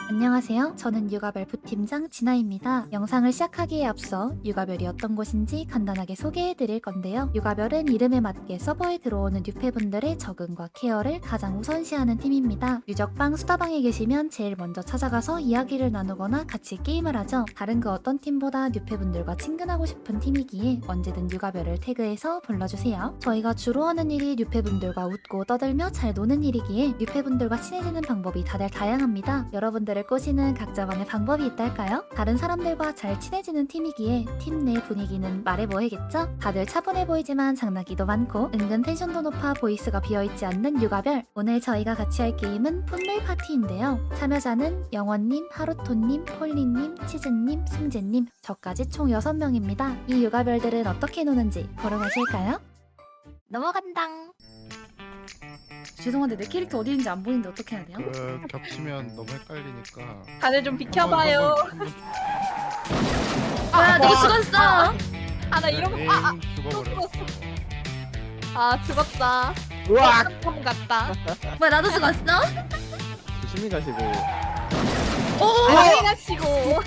안녕하세요. 저는 육아별 부팀장 진아입니다. 영상을 시작하기에 앞서 육아별이 어떤 곳인지 간단하게 소개해드릴 건데요. 육아별은 이름에 맞게 서버에 들어오는 뉴페분들의 적응과 케어를 가장 우선시하는 팀입니다. 유적방, 수다방에 계시면 제일 먼저 찾아가서 이야기를 나누거나 같이 게임을 하죠. 다른 그 어떤 팀보다 뉴페분들과 친근하고 싶은 팀이기에 언제든 육아별을 태그해서 불러주세요. 저희가 주로 하는 일이 뉴페분들과 웃고 떠들며 잘 노는 일이기에 뉴페분들과 친해지는 방법이 다들 다양합니다. 여러분들을 꼬시는 각자만의 방법이 있달까요? 다른 사람들과 잘 친해지는 팀이기에 팀 내 분위기는 말해뭐해겠죠? 다들 차분해 보이지만 장난기도 많고 은근 텐션도 높아 보이스가 비어있지 않는 육아별. 오늘 저희가 같이 할 게임은 풋밀 파티인데요. 참여자는 영원님, 하루토님, 폴리님, 치즈님, 승재님, 저까지 총 6명입니다. 이 육아별들은 어떻게 노는지 보러 가실까요? 넘어간당. 죄송한데 내 캐릭터 어디 있는지 안 보이는데 어떻게 해야 돼요? 겹치면 너무 헷갈리니까. 다들 좀 비켜봐요. 아, 내가 죽었어! 아, 나 이런 거. 죽어버려. 죽었어. 아, 죽었다. 으악! 좀 같다. 뭐야, 나도 죽었어? 조심히 가시고. 빨리 가시고.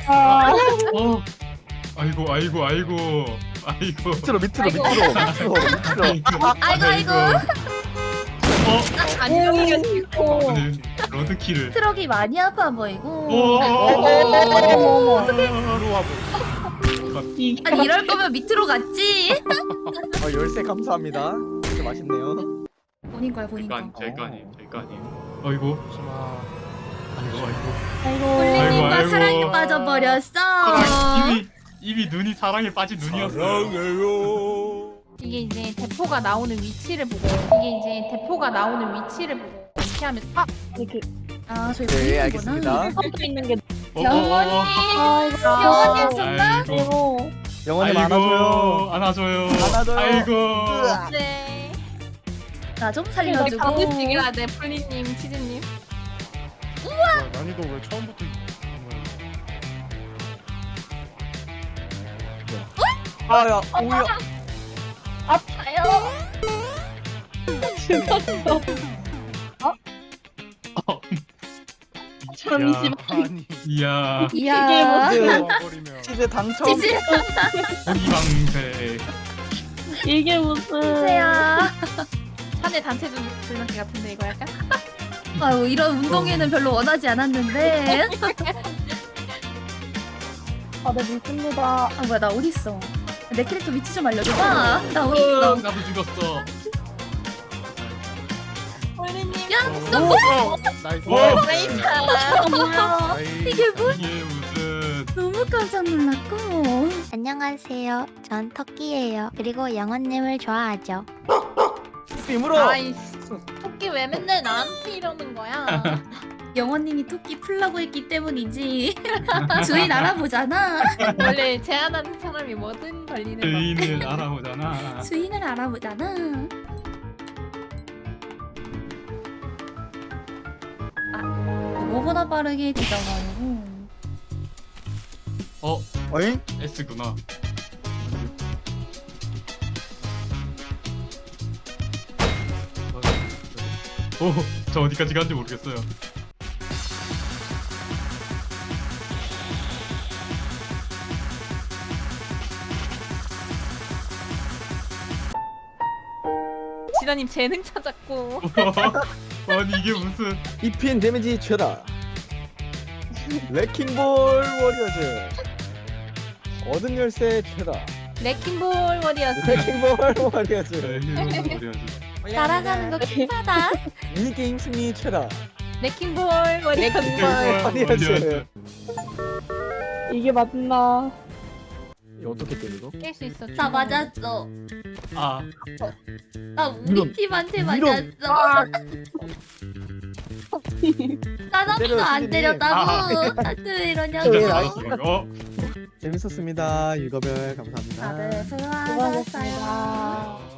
아이고. 밑으로. 아이고. 아니, 여기 가시고. 오늘 로드킬을. 트럭이 많이 아파 보이고. 아니, 이럴 거면 밑으로 갔지. 열쇠 감사합니다. 진짜 맛있네요. 본인 거야, 본인 거. 제거 아니에요. 아이고. 폴리님과 아이고. 사랑에 빠져버렸어. 이미 눈이 사랑에 빠진 눈이었어요. 이게 이제 대포가 나오는 위치를 보고 이렇게 하면 아, 저희 네, 본인이구나. 알겠습니다. 있는 게 영원님. 영원님 정말? 영원히 안아줘요. 안아줘요. 안아줘요. 아이고. 네. 나 좀 가끔씩 살려주고. 해야 돼, 플리님, 치즈님. 난이도 왜 처음부터 아야, 오야. 아파요. 잠시만. 아니. 이야. 이야. 버리면 치즈 당첨. 지지. 이방세. 이게 무슨. 세야. 사내 단체 줄넘기 같은데 이거 약간? 아유, 이런 운동회는 별로 원하지 않았는데. 네, 믿습니다. 아, 뭐야, 나 어딨어? 내 캐릭터 위치 좀 알려줘봐. 나 어딨어? 나도 죽었어. 플리님. 야, 나이스. 뭐야? 이게 뭐? 이게 무슨? 너무 깜짝 놀랐고. 안녕하세요. 전 터키예요. 그리고 영원님을 좋아하죠. 힘으로. 아이씨. 토끼 왜 맨날 나한테 이러는 거야? 영원님이 토끼 풀라고 했기 때문이지. 주인 알아보잖아. 원래 제안하는 사람이 뭐든 걸리는 거. 주인을 알아보잖아. 주인을 알아보잖아. 아, 뭐보다 빠르게 뒤져가지고. 어잉? S구나. 저 어디까지 간지 모르겠어요. 진아님 재능 찾았고. 아니 이게 무슨? 입힌 데미지 최다. 레킹볼 워리어즈. 얻은 열쇠 최다. 레킹볼 워리어스. 레킹볼 워리어즈. 날아가는 거 킹하다. 미니게임 승리 최다. 레킹볼 워리어스. 워리어즈. 이게 맞나? 이거 어떻게 때려 이거? 깰 수 있어. 나 맞았어. 아, 나 우리 이런, 팀한테 이런. 맞았어. 나나도 때려, 안 선생님. 때렸다고. 나한테 왜 이러냐고. 네, 어? 재밌었습니다. 유거별 감사합니다. 다들 수고하셨어요. 수고하셨습니다.